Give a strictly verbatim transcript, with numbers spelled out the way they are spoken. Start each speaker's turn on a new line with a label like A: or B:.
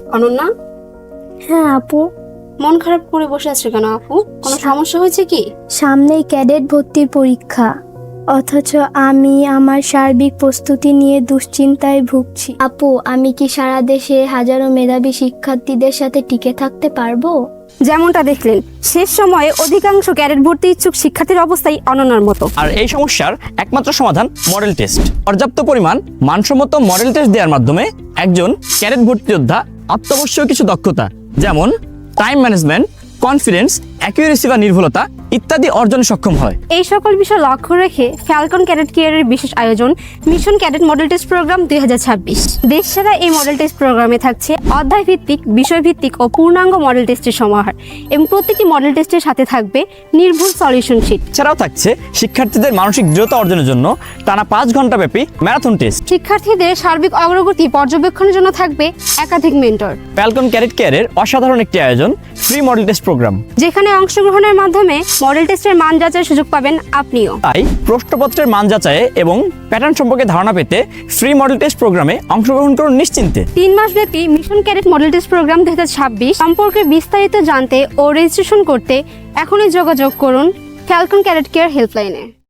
A: অনন্যা,
B: হ্যাঁ আপু।
A: মন খারাপ করে বসে আছো কেন আপু? কোনো সমস্যা হয়েছে কি?
B: সামনেই ক্যাডেট ভর্তির পরীক্ষা, অথচ আমি আমার সার্বিক প্রস্তুতি নিয়ে দুশ্চিন্তায় ভুগছি। আপু, আমি কি সারা দেশে হাজারো মেধাবী শিক্ষার্থীদের সাথে টিকে থাকতে পারবো?
A: যেমনটা দেখলেন, শেষ সময়ে অধিকাংশ ক্যাডেট ভর্তি ইচ্ছুক শিক্ষার্থীর অবস্থাই অনন্যার মতো।
C: আর এই সমস্যার একমাত্র সমাধান মডেল টেস্ট। পর্যাপ্ত পরিমাণ মানসম্মত মডেল টেস্ট দেওয়ার মাধ্যমে একজন ক্যাডেট ভর্তি যোদ্ধা অত্যাবশ্যক কিছু দক্ষতা যেমন টাইম ম্যানেজমেন্ট, কনফিডেন্স, অ্যাকুরেসি বা নির্ভুলতা ইত্যাদি অর্জনে সক্ষম হয়।
A: এই সকল বিষয় লক্ষ্য রেখে ফ্যালকন ক্যাডেট কেয়ারের বিশেষ আয়োজন mission cadet model test program দুই হাজার ছাব্বিশ। দেশসেরা এই মডেল টেস্ট প্রোগ্রামে থাকছে অধ্যায় ভিত্তিক, বিষয় ভিত্তিক ও পূর্ণাঙ্গ মডেল টেস্টের সমাহার এবং প্রত্যেকটি মডেল টেস্টের সাথে থাকবে নির্ভুল সলিউশন শিট।
C: এছাড়াও থাকছে শিক্ষার্থীদের মানসিক দৃঢ়তা অর্জনের জন্য টানা পাঁচ ঘন্টা ব্যাপী ম্যারাথন টেস্ট।
A: শিক্ষার্থীদের সার্বিক অগ্রগতি পর্যবেক্ষণের জন্য থাকবে একাধিক মেন্টর।
C: ফ্যালকন ক্যাডেট কেয়ারের অসাধারণ একটি আয়োজন ফ্রি মডেল টেস্ট প্রোগ্রাম,
A: যেখানে অংশগ্রহণের মাধ্যমে মডেল টেস্টের মান যাচাইয়ের সুযোগ পাবেন আপনিও।
C: তাই প্রশ্নপত্রের মান যাচাইয়ে এবং প্যাটার্ন সম্পর্কে ধারণা পেতে ফ্রি মডেল টেস্ট প্রোগ্রামে অংশগ্রহণ করুন নিশ্চিন্তে।
A: তিন মাস ব্যাপী mission cadet model test program দুই হাজার ছাব্বিশ সম্পর্কে বিস্তারিত জানতে ও রেজিস্ট্রেশন করতে এখনই যোগাযোগ করুন ফ্যালকন ক্যাডেট কেয়ার হেল্পলাইনে।